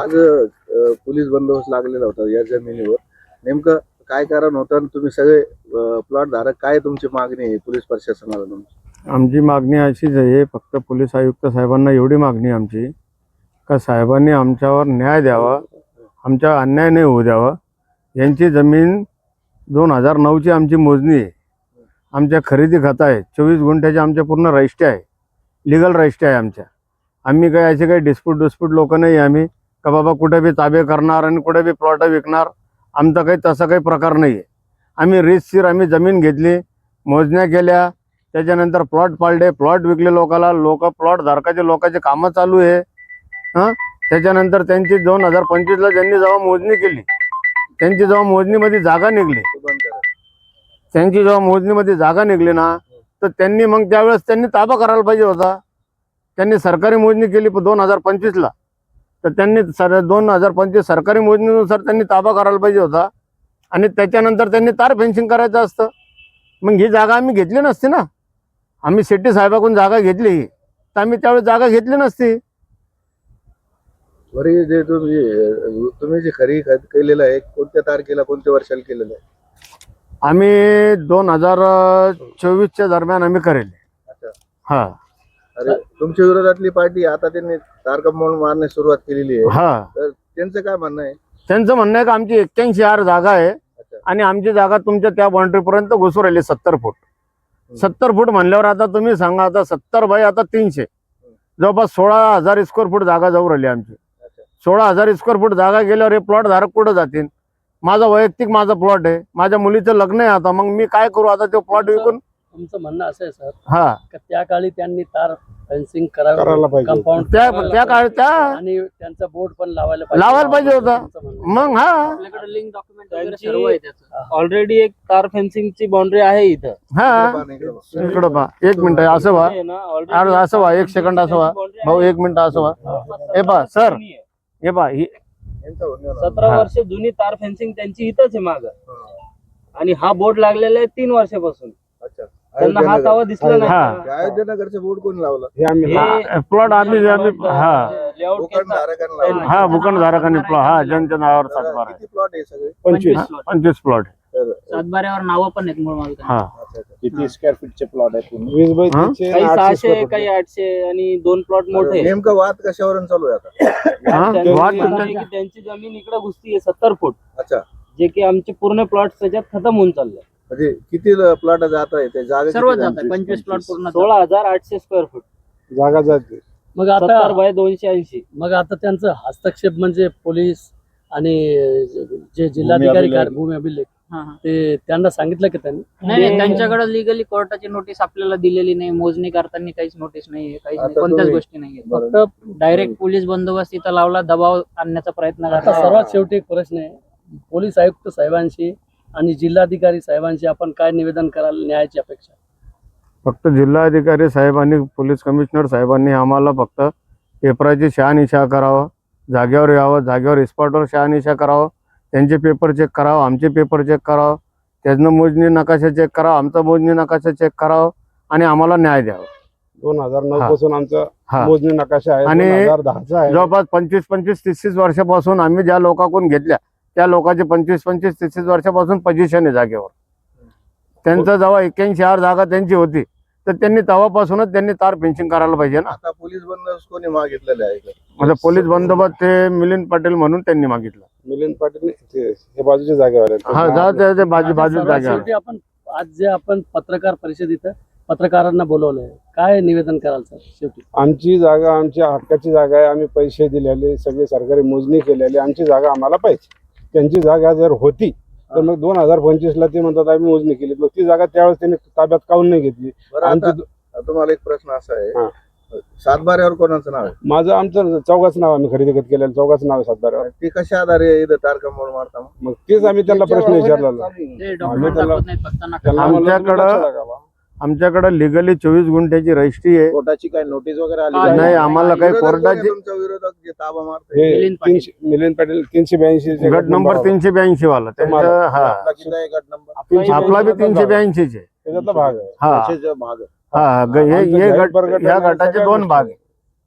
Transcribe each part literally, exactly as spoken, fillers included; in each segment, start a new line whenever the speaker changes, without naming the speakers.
आज अ, पोलीस बंदोबस्त लागलेला होता या जमिनीवर. नेमकं काय कारण होतं आणि तुम्ही सगळे प्लॉट धारक काय तुमची मागणी आहे पोलीस प्रशासनाला तुमची?
आमची मागणी अशीच आहे, फक्त पोलीस आयुक्त साहेबांना एवढी मागणी आहे आमची का साहेबांनी आमच्यावर न्याय द्यावा, आमच्या अन्याय नाही होऊ द्यावा. यांची जमीन दोन हजार नऊची आमची मोजणी आहे, आमच्या खरेदी खत आहे, चोवीस गुंठ्याचे आमच्या पूर्ण रजिस्ट्री आहे, लिगल रजिस्ट्री आहे आमच्या. आम्ही काही असे काही डिस्प्यूट डिस्प्यूट लोक नाही आम्ही का बाबा कुठे बी ताबे करणार आणि कुठे बी प्लॉट विकणार. आमचा काही तसा काही प्रकार नाही आहे. आम्ही रितसर आम्ही जमीन घेतली, मोजण्या केल्या, त्याच्यानंतर प्लॉट पाळले, प्लॉट विकले लोकाला. लोक प्लॉट धारकाचे लोकांचे कामं चालू आहे. हां त्याच्यानंतर त्यांची दोन हजार पंचवीसला ज्यांनी जेव्हा मोजणी केली, त्यांची जेव्हा मोजणीमध्ये जागा निघली त्यांची जेव्हा मोजणीमध्ये जागा निघली ना, तर त्यांनी मग त्यावेळेस त्यांनी ताबा करायला पाहिजे होता. त्यांनी सरकारी मोजणी केली दोन हजार पंचवीसला, तर त्यांनी सर दोन हजार पंचवीस सरकारी मोजणीनुसार त्यांनी ताबा करायला पाहिजे होता आणि त्याच्यानंतर त्यांनी तार फेन्सिंग करायचं असतं. मग ही जागा आम्ही घेतली नसती ना. आम्ही शेट्टी साहेबाकडून जागा घेतली तर आम्ही त्यावेळेस जागा घेतली नसती.
बरे जे तुम्ही तुम्ही जे खरी खत केलेलं आहे कोणत्या तारखेला कोणत्या वर्षाला केलेलं आहे?
आम्ही दोन हजार चोवीसच्या दरम्यान आम्ही करेल.
अच्छा.
हा
अरे तुमच्या विरोधातली पार्टी आता त्यांनी तारकंबळ मारण्यास सुरुवात केलेली आहे.
हा
तर त्यांचं काय म्हणणं आहे?
त्यांचं म्हणणं आहे की आमची एक्क्याऐंशी आर जागा आहे आणि आमची जागा तुमच्या त्या बाउंड्रीपर्यंत घुसू राहिली सत्तर फूट. सत्तर फूट म्हणल्यावर आता तुम्ही सांगा, आता सत्तर बाय आता तीनशे जवळपास सोळा हजार स्क्वेअर फूट जागा जाऊ राहिली आमची. सोळा हजार स्क्वेअर फूट जागा गेल्यावर हे प्लॉट धारक कुठं जातील? माझा वैयक्तिक माझा प्लॉट आहे, माझ्या मुलीचं लग्न आहे. आता मग मी काय करू? आता तो प्लॉट विकून.
तुमचं म्हणणं असं आहे सर
हा
का त्या काळी त्यांनी तार फेन्सिंग करायला पाहिजे, कंपाऊंड
त्या त्या काळ त्या
आणि त्यांचा बोर्ड पण लावायला पाहिजे
लावायला पाहिजे होता. मग हा
आपल्याकडे लिंक डॉक्युमेंट वगैरे सर्व आहे त्याचं. ऑलरेडी एक तार फेन्सिंगची बाउंड्री आहे इथं.
हा इकडं पहा, एक मिनिट असं व्हा, अरे असं व्हा, एक सेकंड असं व्हा भाऊ, एक मिनिट असं व्हा. हे पहा सर, हे पहा ही
सतरा वर्ष जुनी तार फेन्सिंग त्यांची इथंच आहे माग, आणि हा बोर्ड लागलेला आहे तीन वर्षापासून. त्यांना हा तावा दिसला नाही.
अयोध्यनगरचं बोर्ड कोणी लावलं?
प्लॉट आम्ही आम्ही हा
भूखंडधारकांना
हा भूखंडधारकांनी प्लॉट हा ज्यांच्या नावावर सातबारा
किती प्लॉट आहे सगळे?
पंचवीस पंचवीस प्लॉट.
सातबाऱ्यावर नावं पण आहेत मूळ मालकांची.
हा
किती स्क्वेअर फीटचे प्लॉट आहेत?
वीस बाय
हा?
तीनशे
काही
आणि आठशे
सहाशे
square
काही आठशे आणि दोन प्लॉट मोठे.
नेमकं वाद कशावरून चालू आहे आता?
हा?
त्यांची
वाट
म्हणणं आहे की त्यांची जमीन इकडे घुसती आहे सत्तर फूट,
अच्छा.
जे की आमचे पूर्ण प्लॉट त्याच्यात खतम होऊन चालले.
म्हणजे किती प्लॉट जात आहे ते जागा
सर्व
किती
जात
जाते?
आहे पंचवीस प्लॉट पूर्ण सोळा हजार आठशे स्क्वेअर फूट,
जागा जाते.
मग
सत्तर
आता
बाय दोनशे ऐंशी.
मग आता त्यांचं हस्तक्षेप म्हणजे पोलीस आणि जे जिल्हाधिकारी
अभिलेख.
भूमी अभिलेख
हा, हा.
ते त्यांना सांगितलं की त्यांनी
नाही नाही, त्यांच्याकडे लिगली कोर्टाची नोटीस आपल्याला दिलेली नाही. मोजणी करताना काहीच नोटीस नाहीये, काहीच नाही,
आता
कोणत्याच
तुम्ही-
गोष्टी नाहीये.
बरोबर.
फक्त डायरेक्ट पोलीस बंदोबस्त इथं लावला, दबाव आणण्याचा प्रयत्न
आता
करतात.
सर्वात शेवटी एक प्रश्न आहे, पोलीस आयुक्त साहेबांशी आणि जिल्हाधिकारी साहेबांशी आपण काय निवेदन कराल न्यायाची अपेक्षा?
फक्त जिल्हाधिकारी साहेब आणि पोलीस कमिशनर साहेबांनी आम्हाला फक्त पेपराची शहानिशा करावं, जागेवर यावं, जागेवर स्पॉटवर शहानिशा करावं, त्यांचे पेपर चेक करावं, आमचे पेपर चेक करावं, त्यातनं मोजणी नकाशा चेक करावं, आमचा मोजणी नकाशा चेक करावं आणि आम्हाला न्याय द्यावा.
दोन हजार नऊ
हा.
पासून आमचा
हा
मोजणी नकाशा आहे.
आणि
दोन हजार दहाचा आहे.
जवळपास पंचवीस पंचवीस तीस तीस वर्षापासून आम्ही ज्या लोकांकडून घेतल्या त्या लोकांचे पंचवीस पंचवीस तीस तीस वर्षापासून पोझिशन आहे जागेवर. त्यांचं जेव्हा एक्क्याऐंशी आर जागा त्यांची होती, तर त्यांनी तेव्हापासूनच त्यांनी तार फेन्सिंग करायला पाहिजे ना.
आता पोलीस बंदोबस्त कोणी मागितलेले आहे का?
म्हणजे पोलीस बंदोबस्त ते मिलिंद पाटील म्हणून त्यांनी मागितलं.
मिलिंद पाटील ते- हे बाजूच्या जागेवर आहेत.
हा जा ते- ते बाजू
आता
बाजू
सर्वात
जागा.
शेवटी आपण आज जे आपण पत्रकार परिषद इथं पत्रकारांना बोलवलंय, काय निवेदन कराल सर शेवटी?
आमची जागा आमच्या हक्काची जागा आहे. आम्ही पैसे दिलेले, सगळे सरकारी मोजणी केलेली, आमची जागा आम्हाला पाहिजे. त्यांची जागा जर होती तर मग दोन हजार पंचवीस ला ते म्हणतात आम्ही मोजणी केली, मग ती जागा त्यावेळेस त्यांनी ताब्यात काऊन नाही घेतली?
बरं,
आमची
आता तुम्हाला एक प्रश्न असा
हा.
आहे, सातबाऱ्यावर कोणाचं नाव आहे?
माझं आमचं चौघाच नाव आम्ही खरेदी खत केलेलं चौघाचं नाव आहे सातबाऱ्यावर.
ते कशा आधारे इथं तारकंबळ मारता मग?
मग तेच आम्ही त्यांना प्रश्न विचारला.
ते डॉक्युमेंट
त्याला-
दाखवत नाहीत, फक्त नका.
त्यांना म्हणलं तुम्ही
आमच्याकडं-
लक्ष लागावा.
आमच्याकडे लिगली चोवीस गुंठ्याची रजिस्ट्री आहे.
कोर्टाची काय नोटीस वगैरे आली?
नाही,
नाही, आम्हाला काही
विरोधक कोण आहे
कोर्टाची
तुमच्या विरोधक जे ताबा मारते?
हे
मिलिंद पाटील.
तीनशे मिलिंद पाटील तीनशे ब्याऐंशी
गट नंबर तीनशे ब्याऐंशी वाला त्यांचं.
तुम्हाला-
हा
आपला किती आहे गट नंबर?
तीनशे
आपला बी
ब्याऐंशी
तीनशे ब्याऐंशीचे.
त्याच्यातला भाग आहे.
हा
त्याचे जे भाग आहे.
हा ग- हे
आमचं
हे
गट
गट
प्रगट
ह्या
आहे,
गटाचे
सगळ्या
दोन
गोष्टी
भाग आहे.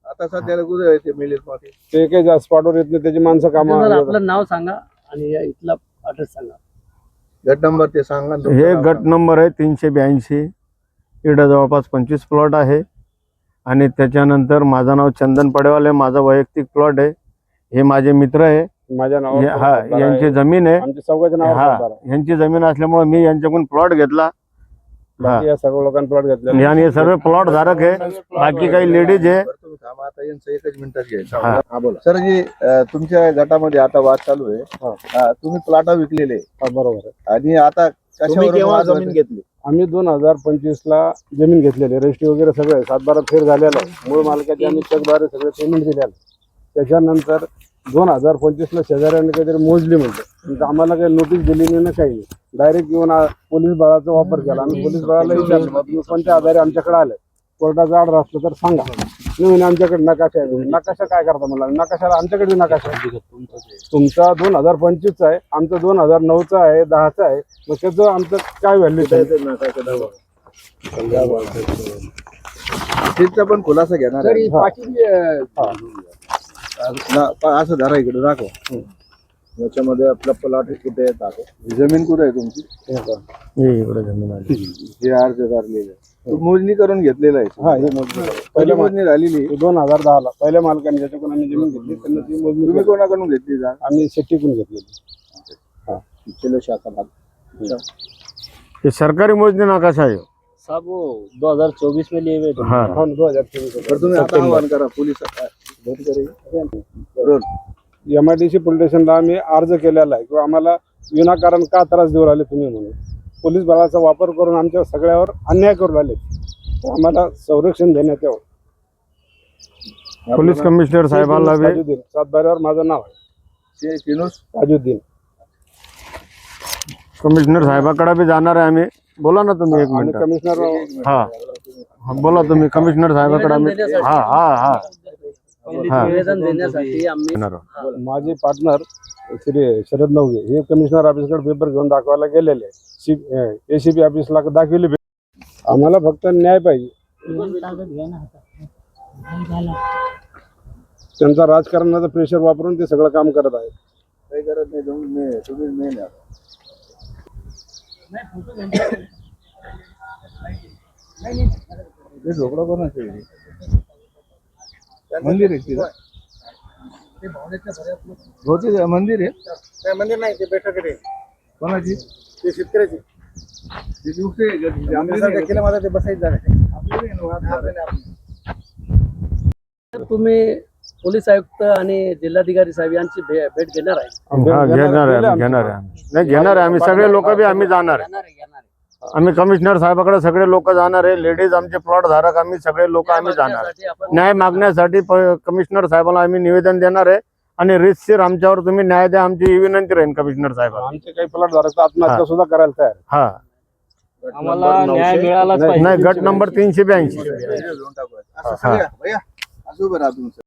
आता सध्याला कुठे आहे ते मिलिंद पाटील?
ते काही जास्त स्पॉटवर येत नाही, त्याची माणसं
सर,
कामं
आपलं नाव सांगा आणि या इथला ऍड्रेस सांगा.
गट नंबर ते सांगा ना तुमचं
हे
नाव
गट
सांगा.
नंबर आहे तीनशे ब्याऐंशी. इकडं जवळपास पंचवीस प्लॉट आहे आणि त्याच्यानंतर माझं नाव चंदन पडेवाल आहे, माझा वैयक्तिक प्लॉट आहे. हे माझे मित्र आहे,
माझ्या नावावर
हे- हा
सातबारा
यांची
आहे.
जमीन आहे.
आमच्या चौघाच्या नावावर
हा
सातबारा आहे.
यांची जमीन असल्यामुळे मी यांच्याकडून प्लॉट घेतला.
बाकी या सर्व लोकांनी प्लॉट घेतले.
आणि हे सर्व प्लॉट धारक आहे. बाकी काही लेडीज आहे.
बरं, तुम्ही थांबा, आता यांचं एकच मिनिटात घ्यायचं.
हा.
हा बोला.
सर जी अं, तुमच्या गटामध्ये आता वाद चालू आहे.
हा.
अं, तुम्ही प्लॉट विकलेले
हा, बरोबर आहे.
आणि आता कशावरून वाद
जमीन
होते?
घेतली?
आम्ही दोन हजार पंचवीस ला जमीन घेतलेली, रजिस्ट्री वगैरे सगळं आहे. सातबारा फेर झालेला आहे. मूळ मालकाचे आणि चेकद्वारे सगळे पेमेंट दिलेलं आहे. त्याच्यानंतर दोन हजार पंचवीस ला शेजाऱ्यांनी काहीतरी मोजली म्हणते, पण आम्हाला काही नोटीस दिली नाही ना काही नाही. डायरेक्ट येऊन आ- पोलीस बळाचा वापर केला. आम्ही पोलीस बळाला विचारलं, "बा, तुम्ही कोणत्या आधारे आमच्याकडे आले? कोर्टाचा ऑर्डर असलं तर सांगा." नाही म्हणे, आमच्याकडे नकाशा आहे. नकाशा काय करता मला? नकाशाला आमच्याकडे नकाशा आहे. तुमचा दोन हजार पंचवीसचा आहे, आमचा दोन हजार नऊचा आहे, दहाचा आहे. मग त्याचं आमचं काय व्हॅल्यू
तिथचा पण खुलासा घेणार आहे.
तरी बाकी
ना- पा- असं धरा इकडे दाखव. याच्यामध्ये आपला प्लॉट कुठे आहे दाखव. जमीन कुठे आहे तुमची?
हे इकडे जमीन आली.
हे अर्जदार लिहिलं तू मोजणी करून घेतलेलं आहे.
हा, हे मोजणी झाली.
पहिली मोजणी झालेली.
दोन हजार दहा ला पहिल्या मालकाने ज्याच्याकडून आम्ही जमीन घेतली त्यांना ती मोजणी
तुम्ही
केली.
कोणाकडून घेतली जा?
आम्ही शेट्टीकडून घेतलेली.
चलो शाखा भाग.
हे सरकारी मोजणी नकाशा आहे.
साहब वो दो हजार चौबीस में लिए हुए थे.
हा
हो ना, दोन हजार चोवीस ला.
तर तुम्ही आता आवाहन करा पोलीस बरोबर.
एमआयडीसी पोलीस स्टेशनला आम्ही अर्ज केलेला आहे किंवा आम्हाला विनाकारण का त्रास देऊ राहिले तुम्ही म्हणून. पोलीस बळाचा वापर करून आमच्या सगळ्यावर अन्याय करू राहिले. तर आम्हाला संरक्षण देण्यात यावं.
पोलीस कमिशनर साहेबांना बी
ताजुद्दीन, सातबाऱ्यावर माझं नाव आहे
शे किनोस
ताजुद्दीन.
कमिशनर साहेबाकडे बी जाणार आहे आम्ही. बोला ना तुम्ही एक
आणि
मिनिट.
कमिशनर
हा हा, बोला तुम्ही कमिशनर साहेबाकडे आम्ही. हा हा हा हा.
निवेदन देण्यासाठी आम्ही
येणार आहोत.
माझे पार्टनर श्री शरद नवगे हे कमिशनर ऑफिसकडे पेपर घेऊन दाखवायला गेलेले आहे. सी एसीपी ऑफिसला दाखवले. आम्हाला फक्त न्याय पाहिजे. त्यांचा राजकारणाचा प्रेशर वापरून ते सगळं काम करत आहे.
काही करत नाही. तुम्ही मे- तुम्ही मेन आहे. हे झोपडा कोणाचं आहे? मंदिर आहे तिथं. होते का? मंदिर आहे
मंदिर नाही, ते बैठक आहे.
कोणाची?
ते शेतकऱ्याची
ते दुसरे आहे का? ते आपली नाही का?
केलं माझा ते बसायचं जागा आहे.
आपली नाही ना, वाद झाला.
तुम्ही पोलीस आयुक्त आणि जिल्हाधिकारी साहेब यांची भे- भेट घेणार आहे.
हा घेणार आहे आम्ही, घेणार आहे आम्ही. नाही घेणार आहे आम्ही. सगळे लोक बी आम्ही जाणार आहे. आम्ही कमिशनर साहेबाकडे सगळे लोक जाणार आहे. लेडीज आमचे प्लॉट धारक आम्ही सगळे लोक आम्ही जाणार आहे.
त्यासाठी आपण
न्याय मागण्यासाठी प- कमिशनर साहेबांना आम्ही निवेदन देणार आहे आणि रितसर आमच्यावर तुम्ही न्याय द्या, आमची ही विनंती राहील कमिशनर साहेबांना.
आमचे काही प्लॉट धारक आत्महत्या सुद्धा करायला तयार आहे.
हा
आम्हाला न्याय मिळालाच पाहिजे.
नाही गट नंबर तीनशे ब्याऐंशी.
घेऊन टाकू. असं सगळं भैया असं उभं राहा तुमचं.